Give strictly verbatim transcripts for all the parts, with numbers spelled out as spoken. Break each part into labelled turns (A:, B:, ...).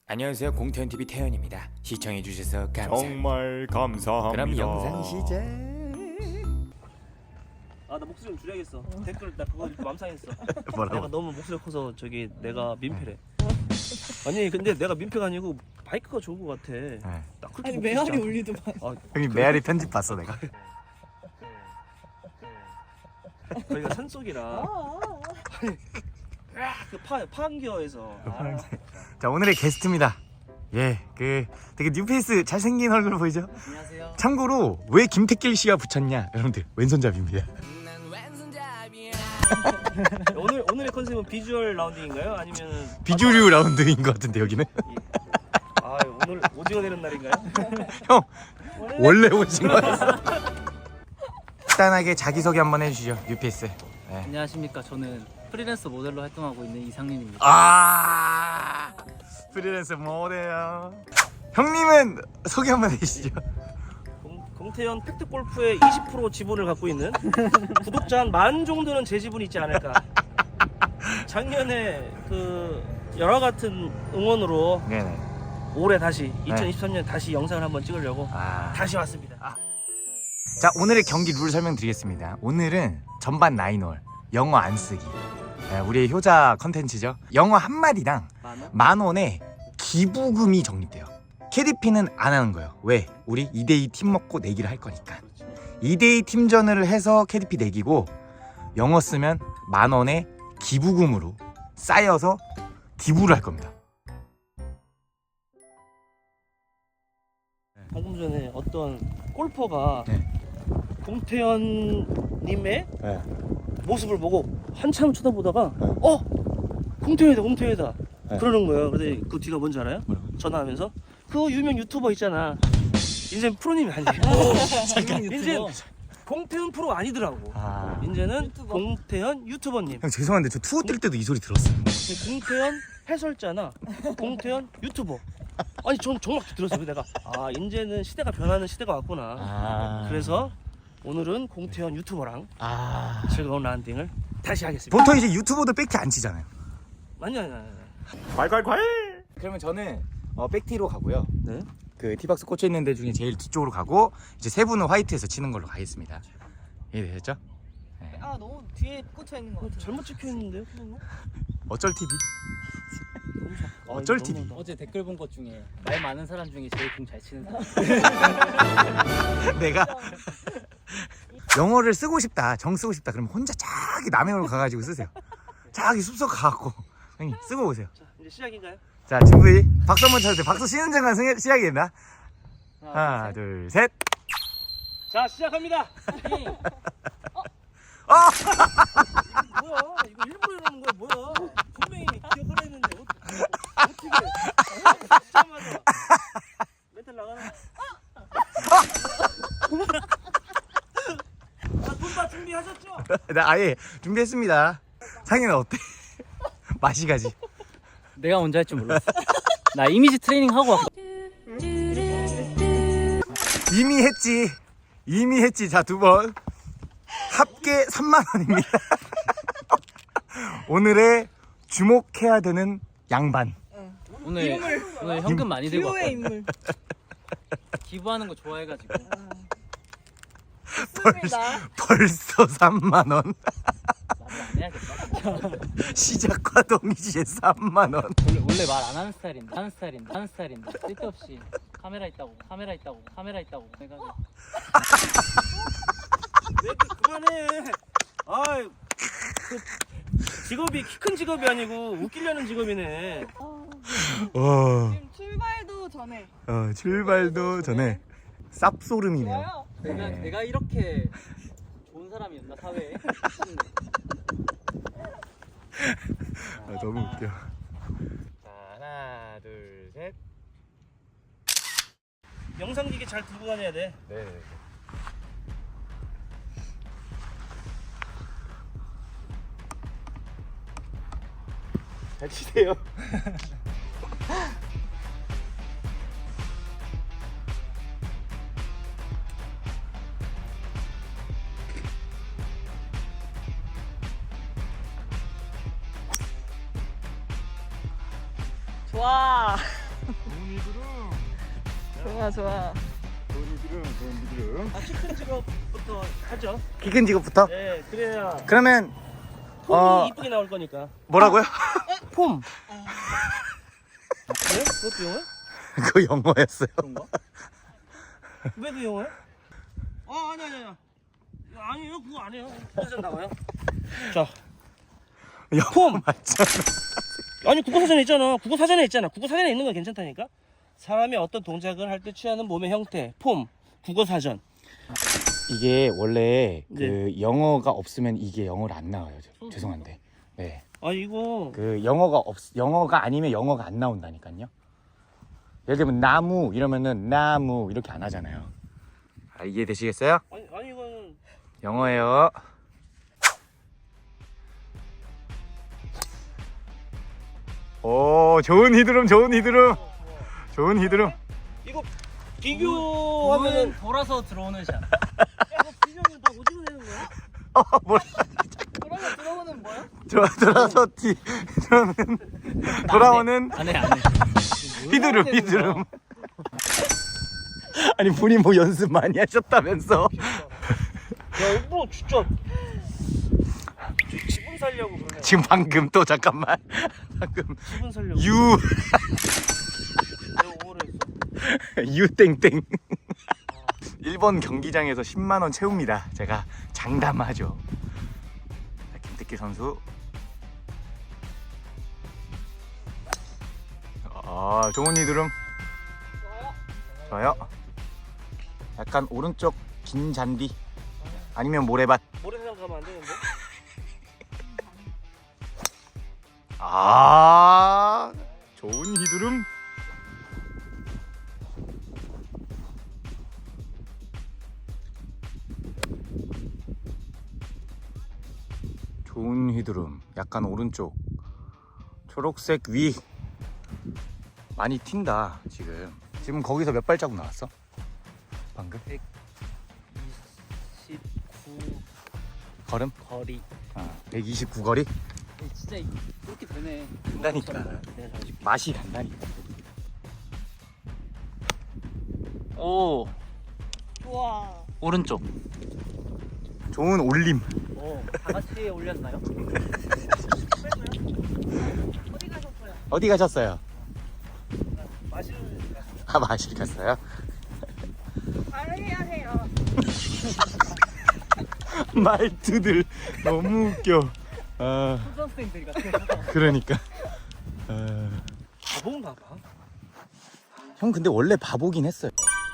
A: 안녕하세요, 공태현티비 태현입니다. 시청해주셔서 감사합니다.
B: 정말 감사합니다.
A: 그럼 영상 시작.
C: 아 나 목소리 좀 줄여야겠어. 댓글 나 그거 맘상했어.
B: 뭐라고?
C: 내가 너무 목소리가 커서 저기 내가 민폐래. 아니 근데 내가 민폐가 아니고 마이크가 좋은 것 같아.
B: 네.
C: 딱 그렇게
D: 아니
C: 먹고
D: 메아리
C: 싶지 않아.
D: 올리더만.
C: 아
B: 형님 메아리 편집 봤어 내가.
C: 저희가 산속이라 그파 파안겨에서 아,
B: 자 오늘의 게스트입니다. 예, 그 되게 뉴페이스 잘생긴 얼굴 보이죠?
D: 안녕하세요.
B: 참고로 왜 김택길 씨가 붙였냐, 여러분들 왼손잡이입니다.
C: 오늘 오늘의 컨셉은 비주얼 라운딩인가요? 아니면
B: 비주류 라운드인 것 같은데 여기는.
C: 아 오늘 오징어 되는 날인가요?
B: 형 원래 오신 거였어. 간단하게 자기소개 한번 해주시죠, 뉴페이스. 네.
D: 안녕하십니까. 저는 프리랜서 모델로 활동하고 있는 이상민입니다.
B: 아 프리랜서 모델. 형님은 소개 한번 해주시죠.
C: 공, 공태현 팩트골프의 이십 퍼센트 지분을 갖고 있는 구독자 한 만 정도는 제 지분이 있지 않을까. 작년에 그 여러 같은 응원으로
B: 네네.
C: 올해 다시 이천이십삼 년 다시 영상을 한번 찍으려고
B: 아.
C: 다시 왔습니다.
B: 아. 자 오늘의 경기 룰 설명드리겠습니다. 오늘은 전반 나인홀 영어 안 쓰기. 네, 우리의 효자 컨텐츠죠. 영어 한 마리랑
C: 만 원?
B: 만 원의 기부금이 적립돼요. 케이디피는 안 하는 거예요. 왜? 우리 이 대이 팀 먹고 내기를 할 거니까. 이 대이 팀전을 해서 케이디피 내기고, 영어 쓰면 만 원의 기부금으로 쌓여서 기부를 할 겁니다.
C: 방금 전에 어떤 골퍼가
B: 네.
C: 공태현님의
B: 네.
C: 모습을 보고 한참 쳐다보다가
B: 네.
C: 어? 공태현이다 공태현이다
B: 네.
C: 그러는 거예요. 근데 그 뒤가 뭔지 알아요?
B: 뭐라고?
C: 전화하면서 그 유명 유튜버 있잖아. 인제 프로님이 아니에요. 인제 공태현 프로 아니더라고.
B: 아.
C: 이제는
D: 유튜버.
C: 공태현 유튜버님.
B: 형 죄송한데 저 투어 뛸 때도 이 소리 들었어요.
C: 공태현 해설자나 공태현 유튜버. 아니 전 정말 들었어요. 내가 아 이제는 시대가 변하는 시대가 왔구나.
B: 아.
C: 그래서 오늘은 공태현 유튜버랑
B: 아.
C: 즐거운 라운딩을 다시 하겠습니다.
B: 보통 이제 유튜버도 백티 안 치잖아요.
C: 아니 아니 아니.
B: 괄괄괄. 그러면 저는 어, 백티로 가고요.
C: 네.
B: 그 티박스 꽂혀 있는 데 중에 제일 뒤쪽으로 가고, 이제 세 분은 화이트에서 치는 걸로 가겠습니다. 이해되셨죠? 네.
D: 아 너무 뒤에 꽂혀 있는 것 같아요.
C: 잘못 찍혀 있는데요,
B: 어쩔 티비?
C: 아,
B: 어쩔
C: 이거
B: 티비?
C: 너무하다.
E: 어제 댓글 본 것 중에 말 많은 사람 중에 제일 공 잘 치는 사람.
B: 내가 영어를 쓰고 싶다, 정 쓰고 싶다 그러면 혼자 저기 남의 홀 가가지고 쓰세요. 저기 숲속 가갖고 형님 쓰고 오세요.
C: 자 이제 시작인가요?
B: 자 준비. 박수 한번 쳐주세요. 박수 쉬는 순간 승- 시작이 된다. 하나 둘 셋.
C: 자 시작합니다.
B: 어!
C: 뭐야? 이거 일부러 이러는 거야 뭐야? 분명히 기억하라 했는데 어, 어떻게? 진짜마자 멘탈 나가는. 자돈다 준비하셨죠?
B: 나 아예 준비했습니다. 상현은 어때? 맛이 가지.
E: 내가 먼저 할 줄 몰랐어. 나 이미지 트레이닝 하고 왔고.
B: 이미 했지. 이미 했지. 자, 두 번. 합계 삼만 원입니다. 오늘의 주목해야 되는 양반.
E: 오늘 오늘 현금 많이 들고
D: 듀오의
E: 왔거든.
D: 인물.
E: 기부하는 거 좋아해가지고.
D: 좋습니다.
B: 벌써 삼만 원.
E: 말을 안 해야겠다.
B: 시작과 동시에 삼만 원.
E: 원래 원래 말 안 하는 스타일인데, 하는 스타일인데, 하는 스타일인데 쓸데없이 카메라 있다고, 카메라 있다고, 카메라 있다고 해가지고.
C: 왜 이렇게 그만해. 아이 그 직업이 키 큰 직업이 아니고 웃기려는 직업이네.
B: 어,
D: 지금 출발도 전에.
B: 어 출발도 전에 쌉소름이네요.
D: 좋아요.
E: 내가
B: 네.
E: 내가 이렇게 좋은 사람이었나 사회에?
B: 아, 너무 웃겨. 자, 하나, 둘, 셋.
C: 영상기계 잘 들고 다녀야 돼.
B: 네.
C: 잘 치세요.
D: 좋아.
F: 좋아 좋아.
C: 아, 치킨 직업부터 하죠.
B: 키 큰 직업부터?
C: 네, 그래야
B: 그러면
C: 폼이
B: 어
C: 이쁘게 나올 거니까.
B: 뭐라고요?
C: 폼. 네? 그것도 영어야?
B: 그거 영어였어요.
C: 그런가? 왜 그 영어야? 아, 아니, 아니, 아니. 아니요, 그거 아니에요. 그래서 나와요. 자,
B: 영어
C: 폼.
B: 맞잖아.
C: 아니, 국어 사전에 있잖아. 국어 사전에 있잖아. 국어 사전에 있는 건 괜찮다니까. 사람이 어떤 동작을 할 때 취하는 몸의 형태, 폼, 국어 사전.
B: 이게 원래
C: 네.
B: 그 영어가 없으면 이게 영어로 안 나와요. 저- 죄송한데. 네.
C: 아, 이거
B: 그 영어가 없 영어가 아니면 영어가 안 나온다니까요. 예를 들면 나무 이러면은 나무 이렇게 안 하잖아요. 아, 이해되시겠어요?
C: 아니, 아니 이거는
B: 영어예요. 오, 좋은 히드름, 좋은 히드름, 좋은 히드름.
C: 이거 비교하면은
E: 돌아서 들어오는 샷.
C: 이거 비교하면 다 오징어 되는 거야?
B: 어, 뭐
E: 돌아서 들어오는 뭐야?
B: 돌아 돌아서 뒤 저는 돌아오는
E: 안해 안해.
B: 히드름, 히드름. 아니 분이 뭐 연습 많이 하셨다면서?
C: 야, 일부러 진짜 지- 지분 살려고 그러네.
B: 지금 방금 또 잠깐만 방금
C: 지분 살려고.
B: 유
C: 내가 오버를 했어.
B: 유땡땡 일본 경기장에서 십만 원 채웁니다. 제가 장담하죠. 자, 김태기 선수. 아, 좋은 히드름. 좋아요. 약간 오른쪽 긴 잔디 아니면 모래밭.
C: 모래사장 가면 안 되는데?
B: 아, 좋은 히드름. 좋은 휘두름. 약간 오른쪽 초록색 위 많이 튄다. 지금 지금 거기서 몇 발자국 나왔어? 방금?
E: 이십구
B: 걸음?
E: 거리.
B: 아, 백이십구 거리?
E: 진짜 이렇게 되네.
B: 간다니까.
C: 내가 잘해줄게.
B: 맛이 간다니까.
E: 오
F: 좋아.
E: 오른쪽.
B: 좋은 올림.
E: 오, 다 같이 올렸나요?
F: 어디 가셨어요?
B: 어디 가셨어요?
C: 마시는
B: 아, 마실 갔어요?
F: 잘해야 해요.
B: 말투들 너무 웃겨. 아,
E: 초등학생들 같아.
B: 그러니까. 아...
C: 바본가 봐.
B: 형 근데 원래 바보긴 했어요.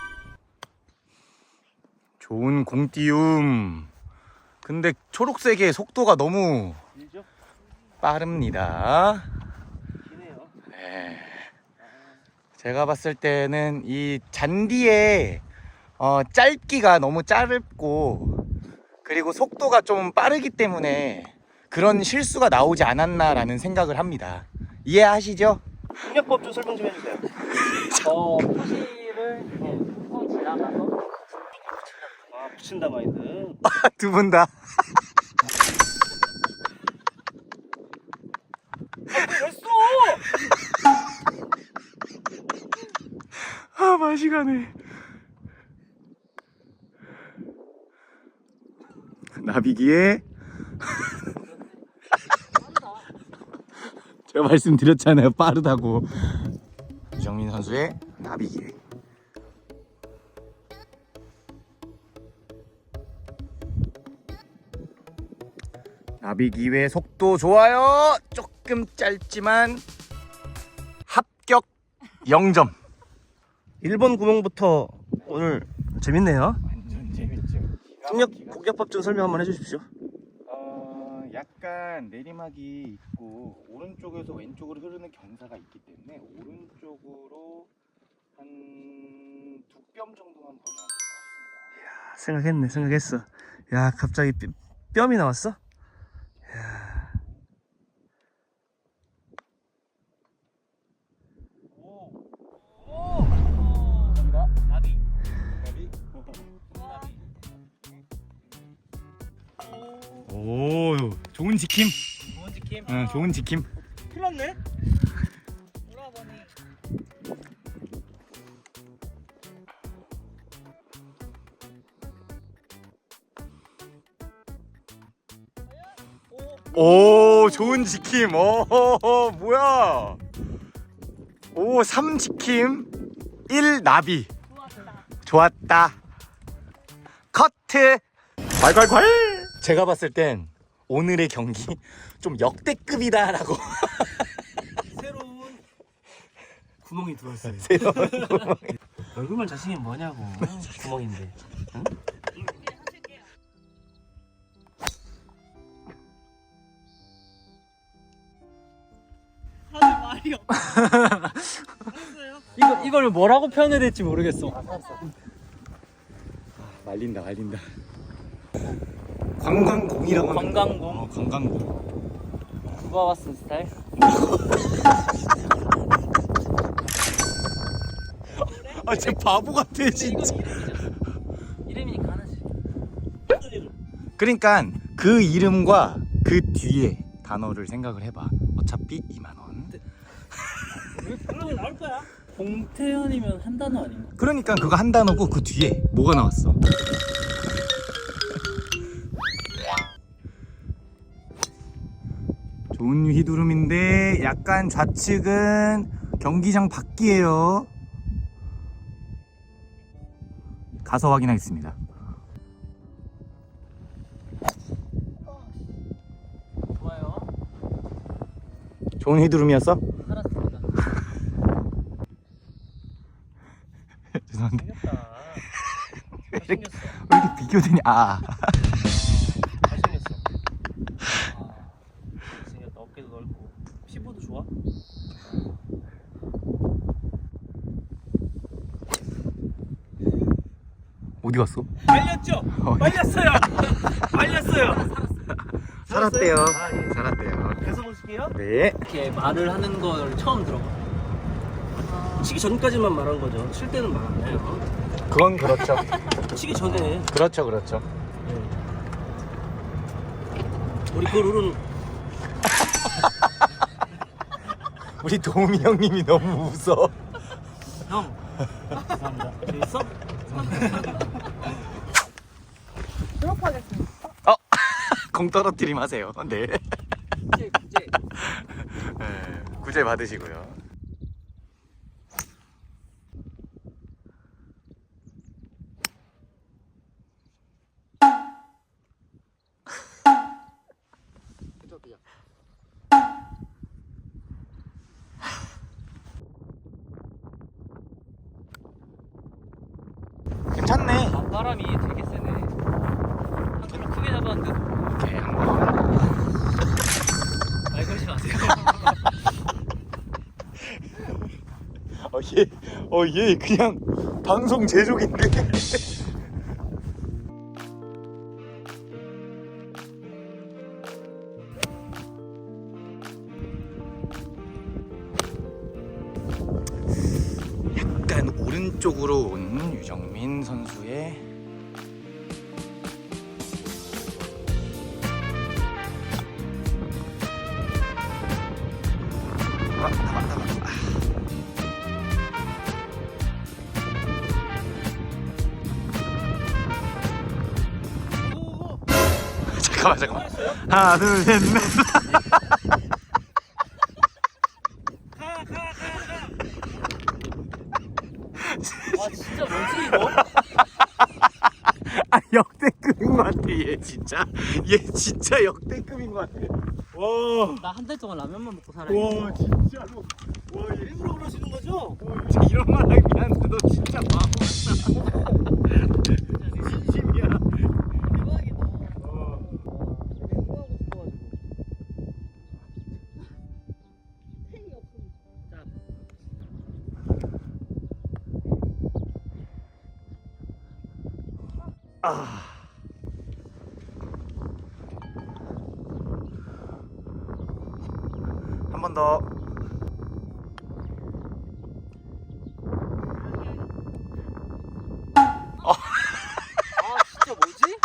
B: 좋은 공띄움. 근데 초록색의 속도가 너무
C: 길죠?
B: 빠릅니다.
C: 기네요.
B: 네. 제가 봤을 때는 이 잔디의 어, 짧기가 너무 짧고 그리고 속도가 좀 빠르기 때문에 그런 실수가 나오지 않았나라는 생각을 합니다. 이해하시죠?
C: 공략법 좀 설명 좀 해주세요.
E: 어 표시를 이렇게 후 지나가서
C: 아, 붙인다 마인드.
B: 두 분 다.
C: 왜 써?
B: 아, 맛이 가네. 나비기에 제가 말씀드렸잖아요, 빠르다고. 유정민 선수의 나비기에. 나비기회 속도 좋아요. 조금 짧지만 합격 영 점.
C: 일 번 구멍부터 오늘 재밌네요.
B: 완전 재밌죠.
C: 공략 공략법 좀 설명 한번 해주십시오.
B: 어, 약간 내리막이 있고 오른쪽에서 왼쪽으로 흐르는 경사가 있기 때문에 오른쪽으로 한 두 뼘 정도만 보면 될 것 같습니다.
C: 생각했네, 생각했어. 야, 갑자기 뼈, 뺨이 나왔어? 야.
E: 나비.
B: 나비.
E: 나비.
B: 오, 좋은 지킴.
E: 좋은 지킴.
B: 응, 좋은 지킴.
C: 큰일 났네?
E: 오라버니.
B: 오 좋은 지킴. 오 뭐야. 오 삼 지킴 일 나비. 좋았다. 커트. 괄괄괄. 제가 봤을 땐 오늘의 경기 좀 역대급이다라고.
C: 새로운 구멍이 들어왔어요.
B: 새로운
C: 얼굴만 자신이 뭐냐고. 구멍인데. 응?
F: 하는 말이 없어.
D: 이거 이걸 뭐라고 표현해야 될지 모르겠어.
B: 말린다 말린다. 관광공이라고 하는 거.
D: 관광공.
B: 어, 관광공.
D: 누가 봤은 스타일?
B: 아, 쟤 바보 같아 진짜.
D: 이름이니까 하나지.
B: 그러니까 그 이름과 그 뒤에 단어를 생각을 해봐. 어차피 이만 원.
C: 그러면 나올 거야.
D: 봉태현이면 한 단어 아닌가?
B: 그러니까 그거 한 단어고 그 뒤에 뭐가 나왔어? 좋은 휘두름인데 약간 좌측은 경기장 밖이에요. 가서 확인하겠습니다.
D: 좋아요.
B: 좋은 휘두름이었어?
D: 살았습니다.
B: 죄송한데
C: 생겼다.
B: 왜 이렇게,
C: 잘생겼어.
B: 왜 이렇게 비교되냐? 아
C: 잘생겼어. 아, 잘생겼다. 어깨도 넓고. 피부도 좋아?
B: 어디 갔어?
C: 말렸죠?
B: 어.
C: 말렸어요. 말렸어요.
B: 살았대요.
C: 아, 예.
B: 살았대요.
C: 계속 보실게요.
B: 네.
D: 이렇게 말을 하는 걸 처음 들어봐.
C: 치기 전까지만 말한 거죠. 칠 때는 말 안 해요.
B: 그건 그렇죠.
C: 치기 전에
B: 그렇죠, 그렇죠.
C: 우리 그 룰은
B: 우리 도우미 형님이 너무 웃어.
C: 형. 감사합니다. 재밌어?
F: 졸업하겠습니다.
B: 공 떨어뜨림 하세요. 네.
D: 구제 구제.
B: 네. 구제 받으시고요. 괜찮네.
D: 바람이 되게 세네. 한 손으로 크게 잡았는데
B: 오케이, 한번.
D: 말 걸지 마세요.
B: 어, 얘, 어, 얘 그냥 방송 제조기인데. 약간 오른쪽으로 온 유정민 선수의 아, 나가, 나가. 잠깐만 잠깐만 하나 둘셋넷
D: 와 진짜 뭐지 이거?
B: 아 역대급인 것 같아 얘 진짜 얘 진짜 역대급인 것 같아 와,
D: 나 한 달 동안 라면만 먹고 살아.
B: 와 진짜로 와 얘
C: 일부러 그러시는 거죠?
B: 진짜 이런 말 하기 미안한데 너 진짜 바보 같다 진심이야
F: 대박이다.
B: 어.
C: 되게 후하고 싶어가지고.
F: 탱이 없으니까.
B: 아. 한 번 더.
D: 아 진짜 뭐지?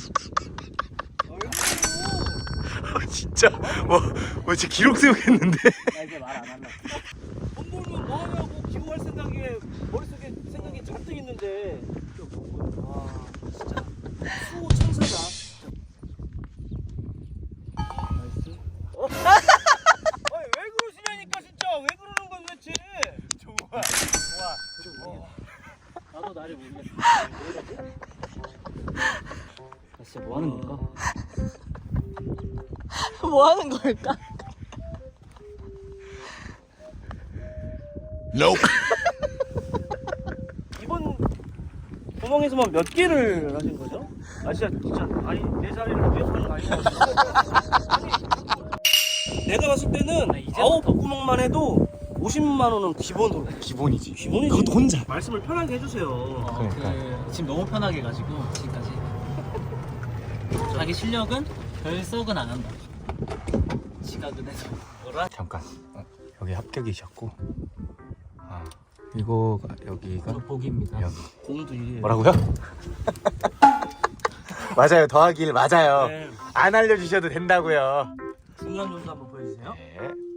B: 아, 진짜 뭐, 뭐 진짜 기록 세우겠는데.
D: 나 이제 말 안 할래.
C: 돈 벌면 뭐 하냐고 기부할 생각에 머릿속에 생각이 잔뜩 있는데. 아 진짜 수호 천사다.
D: 나이스.
E: 나도 나를 모르겠어. 나 진짜 뭐 하는 걸까?
F: 뭐 하는 걸까?
C: 이번 구멍에서만 몇 개를 하신 거죠? 아 진짜 진짜 아니 내 자리를 위해서 하는 거 아니야? 아니, 내가 봤을 때는
E: 이제부터.
C: 아홉 구멍만 해도 오십만 원은 기본으로
B: 기본이지.
C: 기본이지.
B: 그것도 혼자.
C: 말씀을 편하게 해주세요.
E: 어, 그, 지금 너무 편하게 가지고 지금까지 자기 실력은 별 썩은 안 한다. 지각은 해서 뭐라?
B: 잠깐. 어, 여기 합격이셨고. 아, 이거가 여기가
E: 저 복입니다.
B: 여기.
C: 공도 이게
B: 뭐라고요? 맞아요. 더하기 일 맞아요.
C: 네.
B: 안 알려주셔도 된다고요.
C: 중간 점수 한번 보여주세요.
B: 네.